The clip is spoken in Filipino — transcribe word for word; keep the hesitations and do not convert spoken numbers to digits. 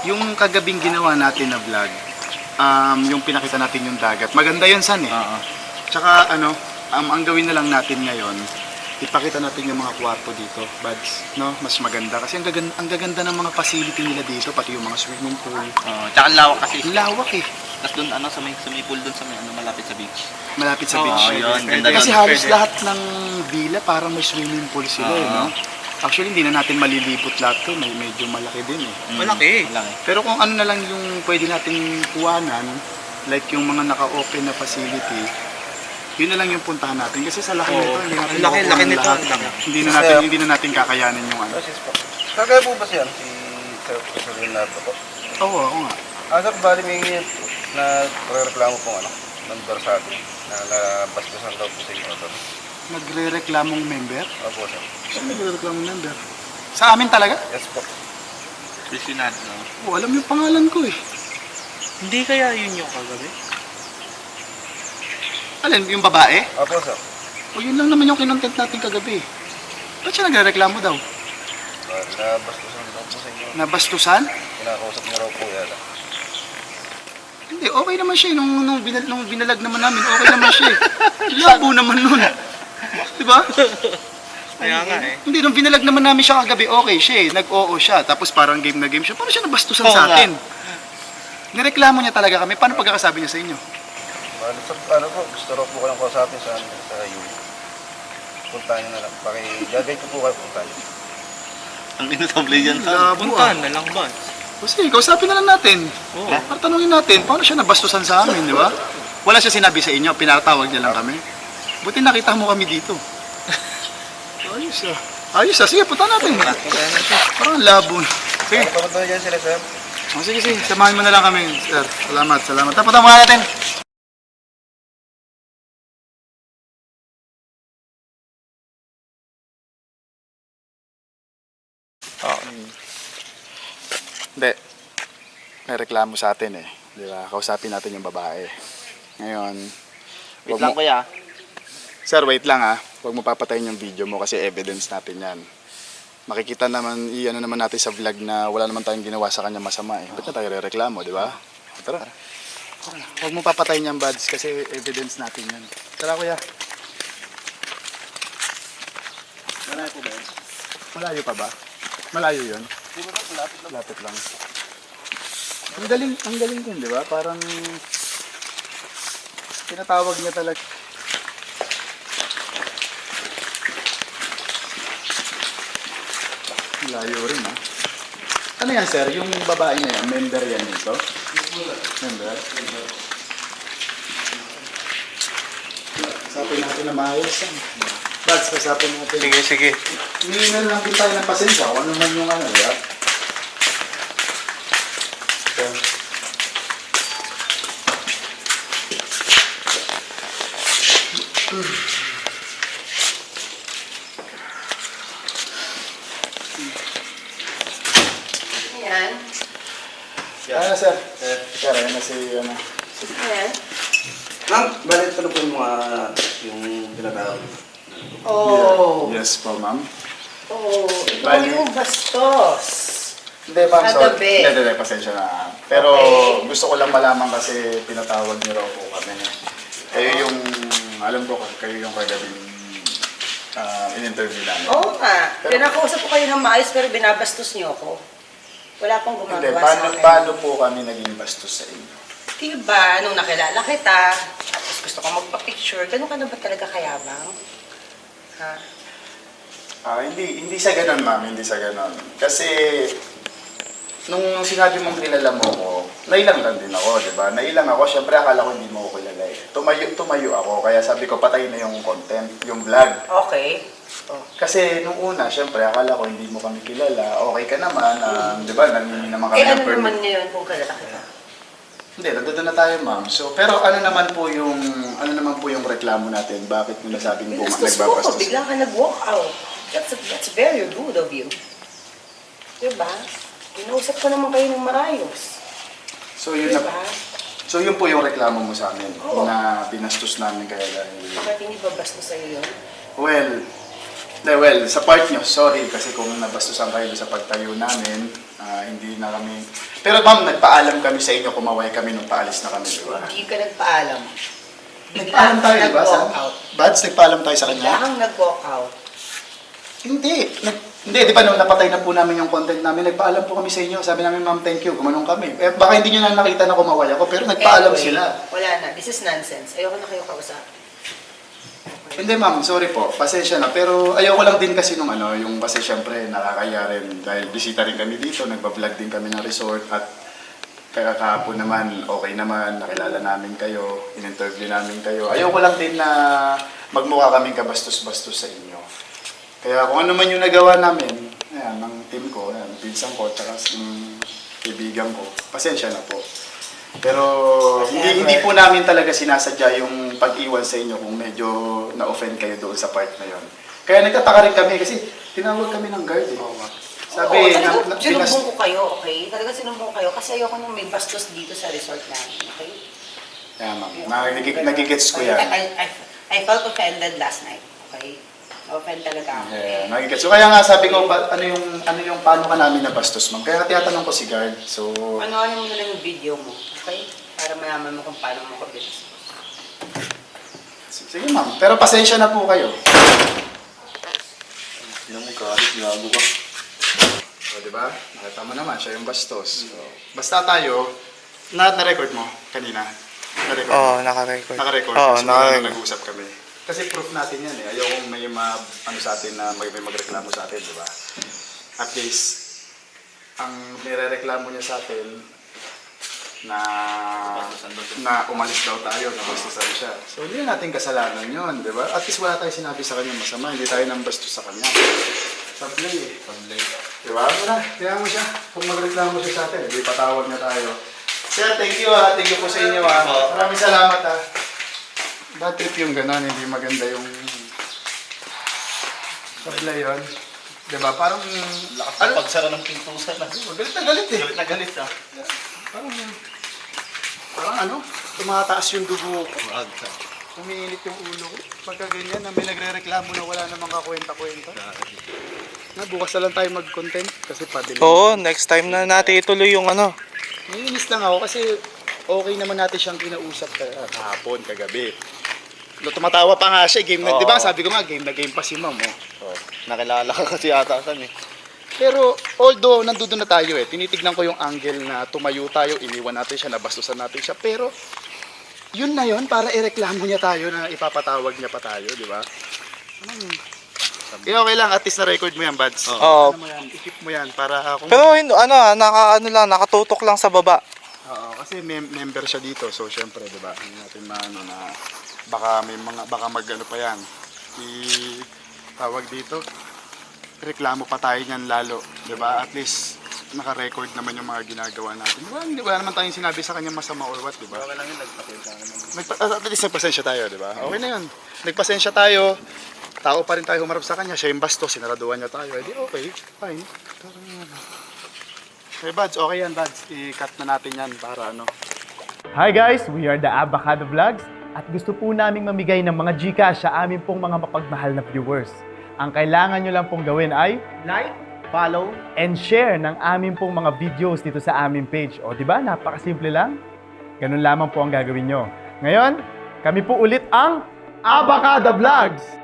Yung kagabing ginawa natin na vlog, um, yung pinakita natin yung dagat. Maganda yun, San eh. Oo. Tsaka ano, um, ang gawin na lang natin ngayon, ipakita natin yung mga kwarto dito, buds, no? Mas maganda kasi ang gaganda, ang gaganda ng mga facility nila dito, pati yung mga swimming pool. Oo. Tsaka ang lawak kasi. Ang lawak eh. Tapos doon ano sa may sa may pool doon sa may ano malapit sa beach. Malapit sa Oo, beach. yun. Ganda Kasi yun. halos Pwede. lahat ng villa parang may swimming pool sila eh, no? Actually, hindi na natin malilipot lahat to. May medyo malaki din eh. Mm, Malaki. Malaki. Pero kung ano na lang yung pwede nating kuwanan, like yung mga naka-open na facility, yun na lang yung puntahan natin. Kasi sa laki Oo. nito, hindi natin Ang laki, makukuha laki ng nito, lahat. ang laki. Hindi na natin, hindi na natin kakayanin yung ano. Process po. Kagaya po ba siya si Sir Professor Leonardo po? Oo, oo nga. Ah, sir, bali may nagre-reklamo pong ano, number sa atin na nabastusan daw po sa inyo. Sir. Nagre-reklamong member? Opo, sir. Saan nagre-reklamong member? Sa amin talaga? Yes po. Presinado. Oo, alam yung pangalan ko eh. Hindi kaya yun yung kagabi? Alin, yung babae? Opo, sir. O yun lang naman yung kinontent natin kagabi. Ba't siya nagre-reklamo daw? Bali, nabastusan daw po sa inyo. Nabastusan? Kinakausap niyo raw po yata. Hindi, okay naman siya eh. Nung, nung, binal, nung binalag naman namin, okay naman siya eh. Labo naman nun. Diba? Kaya nga eh. Hindi, nung binalag naman namin siya kagabi, okay siya eh. Nag-oo siya. Tapos parang game na game siya. Paano siya nabastusan Oo sa nga. atin? Nireklamo niya talaga kami. Paano pagkakasabi niya sa inyo? Bali, sir, ano po, gusto raw po kayong kausapin sa, sa U. Puntahan niyo na lang. Pakigagay ko po kayo puntahan niyo. Ang inutable yan sa. Labo ah. Puntahan na lang ba? Kasi, kausapin na lang natin. Oo. Para tanungin natin, paano siya nabastusan sa amin, di ba? Wala siya sinabi sa inyo, pinatawag niya lang kami. Buti nakita mo kami dito. Ayos ah. Ayos ah, sige, punta natin. Parang ang labo. Sige, Ano pa ba dyan sila, sir? oh, sige, sige, samahan mo na lang kami, sir. Salamat, salamat. Tapos mga natin. Oo. Hindi. May reklamo sa atin eh. Di ba? Kausapin natin yung babae. Ngayon, Wait wag lang mo- kuya. Sir, wait lang ah. Huwag mo papatayin yung video mo kasi evidence natin yan. Makikita naman, i-ano naman natin sa vlog na wala naman tayong ginawa sa kanya masama eh. Ba't na tayo reklamo, di ba? Tara. Tara. Huwag mo papatayin yung buds kasi evidence natin yan. Tara kuya. Malayo po ba yun? Malayo pa ba? Malayo yun? Di ba sir, lapit lang. Lapit lang. Ang galing, ang galing din, di ba? Parang tinatawag niya talaga. Layo rin ah. Ano yan sir? Yung babae na yan, member yan dito? Member? Kasapin natin na maayos yan. Bads, kasapin natin. Sige, sige. Hindi na lang din tayo ng pasensya kung ano man yung ano, di ba? So, Ayan. ano sir? Sir, ayan na si, ano, si Ayan. Ma'am, bali ito na po yung mga yung tinatawag. Oh. Yes po, ma'am. Oh. Ito Bali. yung bastos. Hindi, ma'am, sorry. Kagabi. Hindi, hindi, pasensya na. Pero Okay. gusto ko lang malaman kasi pinatawag niyo raw po kami. Kayo yung, alam ko, kayo yung kagabing uh, in-interview namin. Oo nga. Pinakausap ko kayo ng maayos pero binabastos niyo ako. Wala pong Hindi, gumagawa paano, sa akin. paano po kami naging bastos sa inyo? Diba, nung nakilala kita, tapos gusto ko magpa-picture, ganun ka na ba talaga kayabang? Ha? Ah, hindi, hindi sa ganon, ma'am, hindi sa ganon. Kasi, nung sinabi mong kilala mo ko, nailang lang din ako, di ba? Nailang ako, syempre akala ko hindi mo ko kilala eh. Tumayo, tumayo ako, kaya sabi ko, patay na yung content, yung vlog. Okay. Oh. Kasi nung una, syempre, akala ko hindi mo kami kilala. Okay ka naman, ah, di ba? Nangingi naman kami Eh ng ano permit. naman ngayon kung kilala kita? Hindi, nandun na tayo, ma'am. So, pero ano naman po yung, ano naman po yung reklamo natin? Bakit mo nasabing buma, Binastos mo ko, nagbabastos? bigla ka nag-walk out. That's, that's very rude of you. Diba? Inausap ko naman kayo ng maayos. So, yun na, Diba? so, yun po yung reklamo mo sa amin, Oo. na binastos namin kaya dahil... Bakit hindi ba bastos sa'yo yun? Well, de, well, sa part nyo, sorry, kasi kung nabastusan kayo sa pagtayo namin, Ah, hindi na kami... Pero ma'am, nagpaalam kami sa inyo, kumaway kami nung paalis na kami, di ba? Hindi ka nagpaalam. Nagpaalam tayo, di ba? Sa... Nag-walk out. Bads, nagpaalam tayo sa Bigla kanya? kang nag-walk out. Hindi. Nag... Hindi, di ba nung napatay na po namin yung content namin, nagpaalam po kami sa inyo. Sabi namin, ma'am, thank you, gumanong kami. Eh, baka hindi nyo na nakita na kumaway ako, pero nagpaalam Anyway, sila. Wala na. This is nonsense. Ayoko na kayo kausap. Hindi ma'am, sorry po, pasensya na. Pero ayoko lang din kasi nung ano, yung kasi syempre nakakaya rin dahil bisita rin kami dito, nagbablog din kami ng resort at kaya kahapon naman, okay naman, nakilala namin kayo, in-interview namin kayo. Ayoko lang din na magmukha kaming kabastos-bastos sa inyo. Kaya kung ano man yung nagawa namin, ayan, ng team ko, ayan, pinsan ko, tsaka yung kaibigan ko, pasensya na po. Pero hindi, hindi po namin talaga sinasadya yung pag-iwan sa inyo kung medyo na-offend kayo doon sa part na yon. Kaya nagtataka rin kami kasi tinawag kami ng guard eh. Sabi, Oo, na, talagang na, pinas- sinumbong ko kayo, okay? Talagang sinumbong ko kayo kasi ayoko nung may bastos dito sa resort namin, okay? Kaya ma'am, nagig- nagigets ko yan. I, I, I felt offended last night, okay? Offend talaga ako. Yeah, nagigets. So kaya nga sabi ko, pa, ano yung, ano yung paano ka namin nabastos ma'am? Kaya tinatanong ko si guard. So, Panoorin mo na lang yung video mo, okay? Para malaman mo kung paano mo ko binastos. sige ma'am, pero pasensya na po kayo. Hindi mo kahit gago ka. O, di ba? Nakita mo naman, siya yung bastos. So, basta tayo, na na-record mo kanina. Na-record mo. Oo, naka-record. Naka-record. Oo, so, naka-record. nag-usap kami. Kasi proof natin yan eh. Ayaw kong may ma, ano sa atin na may, may magreklamo sa atin, di ba? At least, ang nire-reklamo niya sa atin na na umalis daw tayo, na bastusan siya. So, hindi natin kasalanan yun, di ba? At least wala tayong sinabi sa kanya masama, hindi tayo nang bastos sa kanya. Sablay eh. Sablay. Di ba? Wala, kaya mo siya. Kung magreklamo siya sa atin, hindi patawag niya tayo. Sir, thank you ah. Thank you po sa inyo ah. Maraming salamat ah. Bad trip yung gano'n, hindi maganda yung sablay yun. Di ba? Parang, Lakas ano? ng pagsara ng pintusan na. Galit na galit eh. Galit na galit ah. Parang, parang ano, tumataas yung dugo ko. Wag ka. Umiinit yung ulo ko. Pagka ganyan, na may nagre-reklamo na wala namang kakwenta-kwenta. Na, bukas na lang tayo mag-content kasi padilin. Oo, next time na natin ituloy yung ano. Naiinis lang ako kasi okay naman natin siyang kinausap ka- kahapon, kagabi. No, tumatawa pa nga siya, game na, Oo. di ba? Sabi ko nga, game na game pa si ma'am. Oh. Oh, nakilala ka kasi ata san eh. Pero although nandoon na tayo eh, tinitignan ko yung angle na tumayo tayo, iniwan natin siya, nabastusan natin siya. Pero yun na yun, para ireklamo niya tayo na ipapatawag niya pa tayo, di ba? Anong... Eh, okay lang, at least na-record mo yan, Bads. Oo. Ano mo yan, i-keep mo yan para kung... Pero hindi- ano, ah, naka ano lang, nakatutok lang sa baba. Oo, kasi mem- member siya dito, so syempre, di ba? Hindi natin maano na baka may mga baka mag-ano pa yan. I tawag dito. Reklamo pa tayo niyan lalo, di ba? At least naka-record naman yung mga ginagawa natin. Wala, hindi wala naman tayong sinabi sa kanya masama or what, di ba? Okay lang yun, nagpapensya ka naman. Nagpa- at least nagpasensya tayo, di ba? Okay na yun. Nagpasensya tayo. Tao pa rin tayo humarap sa kanya. Siya yung basto, sinaraduan niya tayo. Eh di okay, fine. Parang ano. Okay, Bads, okay yan, Bads. I-cut na natin yan para ano. Hi guys! We are the Abacado Vlogs at gusto po naming mamigay ng mga Gcash sa amin pong mga mapagmahal na viewers. Ang kailangan nyo lang pong gawin ay like, follow, and share ng amin pong mga videos dito sa aming page. O di ba? Napakasimple lang. Ganun lamang po ang gagawin nyo. Ngayon, kami po ulit ang Abacado Vlogs!